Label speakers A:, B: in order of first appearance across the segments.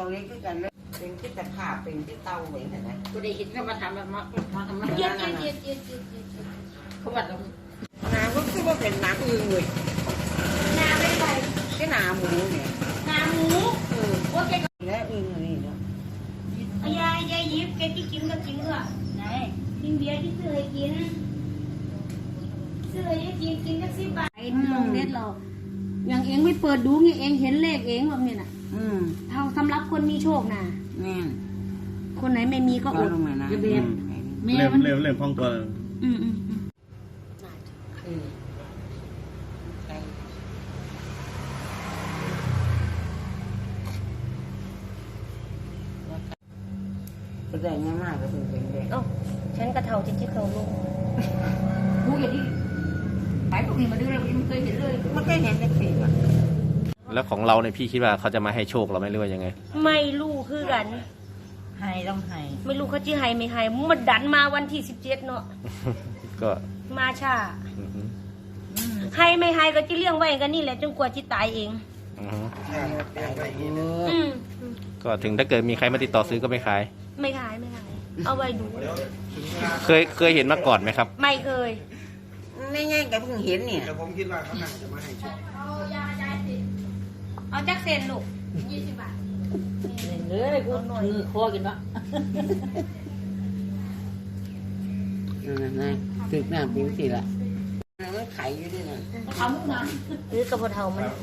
A: เขาเล็กขึ้นกันเลยเป็นที่ตะขาบเป็นที่เต้าเหมือนกันนะ
B: กูได้เห็นเขามาทำแบบมาทำเย็ดเขาแบบ
A: น้ำก็คือว่าเป็นน้ำอึ่งเลย
B: น้ำไม่ไป
A: ที่น้ำหมูเนี่ย
B: น้ำหมูว่าแก
A: แล้วอึ่งนี่เนาะ
B: ยายยิบแกที่กินก็กินเหรอไหนกินเบียร์ที่ซื้อให้กินซื้อให้กินก็10 บาทลงเน็ตเราอย่างเองไม่เปิดดูงี้เองเห็นเลขเองแบบนี้น่ะเท่าสำหรับคนมีโชคนะคนไหนไม่มีก็อดจะเบียร์
C: เริ่มพองตัว
A: ก็ได้ง่ายมากก็เป็นเด็ก
B: ฉันกระเทาจิตเขาลูกกูอย่างนี้ไปพวกนี้มาดูเลยมันเคยเห็นเลย
A: ไม่เคยเห็นเป็นสีอ่ะ
C: แล้วของเราเนี่ยพี่คิดว่าเขาจะมาให้โชคเราไหมหรือว่ายังไง
B: ไม่รู้คือกัน
A: ให้ต้องให้
B: ไม่รู้เขาจะให้ไม่ให้มันดันมาวันที่17เนาะ
C: ก็
B: มาช้าให้ไม่ให้ก็จะเลี้ยงไว้กันนี่แหละจนกว่าจะตายเอง
C: ก็ถึงถ้าเกิดมีใครมาติดต่อซื้อก็ไม่ขาย
B: ไม่ขายเอาไว้ดู
C: เคยเห็นมาก่อนไหมครับ
B: ไม่เคย
A: ไม่ง่ายก็เพิ่งเห็นเนี่ย
D: แต่ผมคิดว่าเขาหนังจะมาให้โชค
B: เอาจักเซนลูก20 บาท
A: เลยกูมือคอกินวะนั่นตึกหน้าปิ้วสิละมันไข่อยู่ด้วยนะ
B: เขามุกนะหรือกระเพาะเทามัน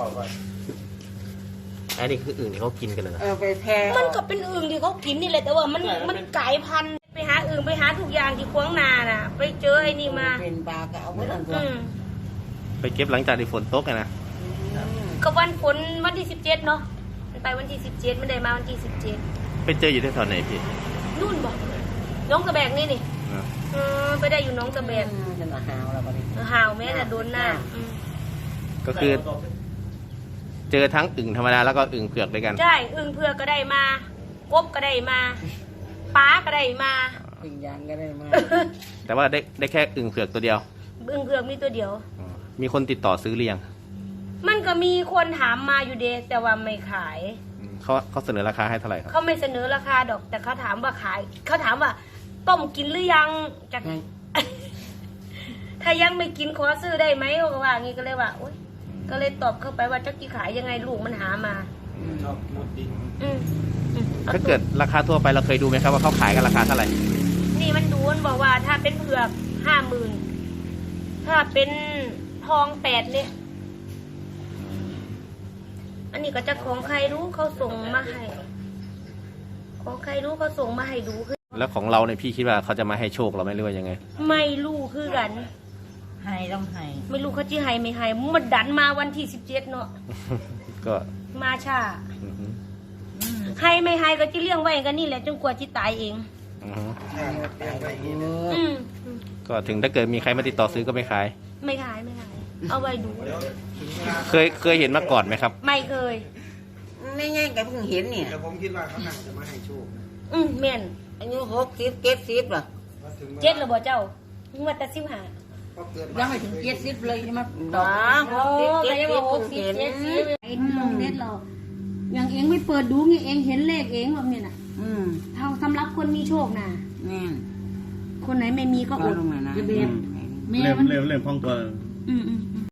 C: อันนี้คืออื่นที่เขากินกันเลย
A: ไปแทง
B: มันก็เป็นอึ่งที่เขากินนี่แหละแต่ว่ามันกลายพันธุ์ไปหาอึ่งไปหาทุกอย่างที่ขวางนาน่ะไปเจอไอ้นี่มา
A: เป็นปลาก็เอาไว้ตั้งตัว
C: ไปเก็บหลังจากที่ฝนตกนะ
B: ก็วันฝนวันที่17เนาะไปวันที่17มันได้มาวันที่17
C: ไปเจออยู่ที่แถวไหนพี่
B: นู่นบอกน้องตะแบกนี่ไปได้อยู่น้องตะแบก
A: จะมาหาวเราไป
B: หาวแม่แต่โดนหน้า
C: ก็คือเจอทั้งอึ่งธรรมดาแล้วก็อึ่งเผือกด้วยกัน
B: ใช่อึ่งเผือกก็ได้มากบก็ได้มาปลาก็ได้มา
A: อึ่งยางก็ได้มา
C: แต่ว่าได้แค่อึ่งเผือกตัวเดียว
B: อึ่งเผือกมีตัวเดียว
C: มีคนติดต่อซื้อเลี้ยง
B: มันก็มีคนถามมาอยู่เดะแต่ว่าไม่ขาย
C: เขาเสนอราคาให้เท่าไหร่ครับ
B: เขาไม่เสนอราคาดอกแต่เขาถามว่าขายเขาถามว่าต้มกินหรือยังจากถ้ายังไม่กินขอซื้อได้ไหมเขาก็ว่างี้ก็เลยว่าโอ๊ยก็เลยตอบเข้าไปว่าจะกี่ขายยังไงลูกมันหามา
C: ถ้าเกิดราคาทั่วไปเราเคยดูไหมครับว่าเขาขายกันราคาเท่าไหร่
B: นี่มันดูมันบอกว่าถ้าเป็นเผือก50,000ถ้าเป็นทอง8เนี่ยอันนี้ก็จะของใครรู้เขาส่งมาให้ของใครรู้เขาส่งมาให้ดูคือ
C: แล้วของเราเนี่ยพี่คิดว่าเขาจะมาให้โชคเราไหมหรือว่ายังไง
B: ไม่รู้คือกัน
A: ให้ต้องให้
B: ไม่รู้เขาจะให้ไม่ให้มันดันมาวันที่17เนาะ
C: ก็
B: มาช้าให้ไม่ให้ก็จะเลี้ยงไว้กันนี่แหละจนกว่าจะตายเอง
C: ก็ถึงถ้าเกิดมีใครมาติดต่อซื้อก็ไม่ขาย
B: ไม่ขายเอาไว้ดู
C: เคยเห็นมาก่อนไหมครับ
B: ไม่เคย
A: ไม่ง่ายก็เพิ่งเห็นเนี่ย
D: แต่ผมคิดว่าเขาหนังจะมาให้โชค
B: แม่น
A: อายุ60 70ป่ะ
B: 7แล้วบ่เจ้างวดแต่15
A: ยังไม่ถึง70เลยใช่ไหม
B: บ้า60 70ลงเน็ตเราอย่างเองไม่เปิดดูงี้เองเห็นเลขเองแบบนี้น่ะเท่าสำหรับคนมีโชคนะคนไหนไม่มีก็อด
C: เริ่มพองตัว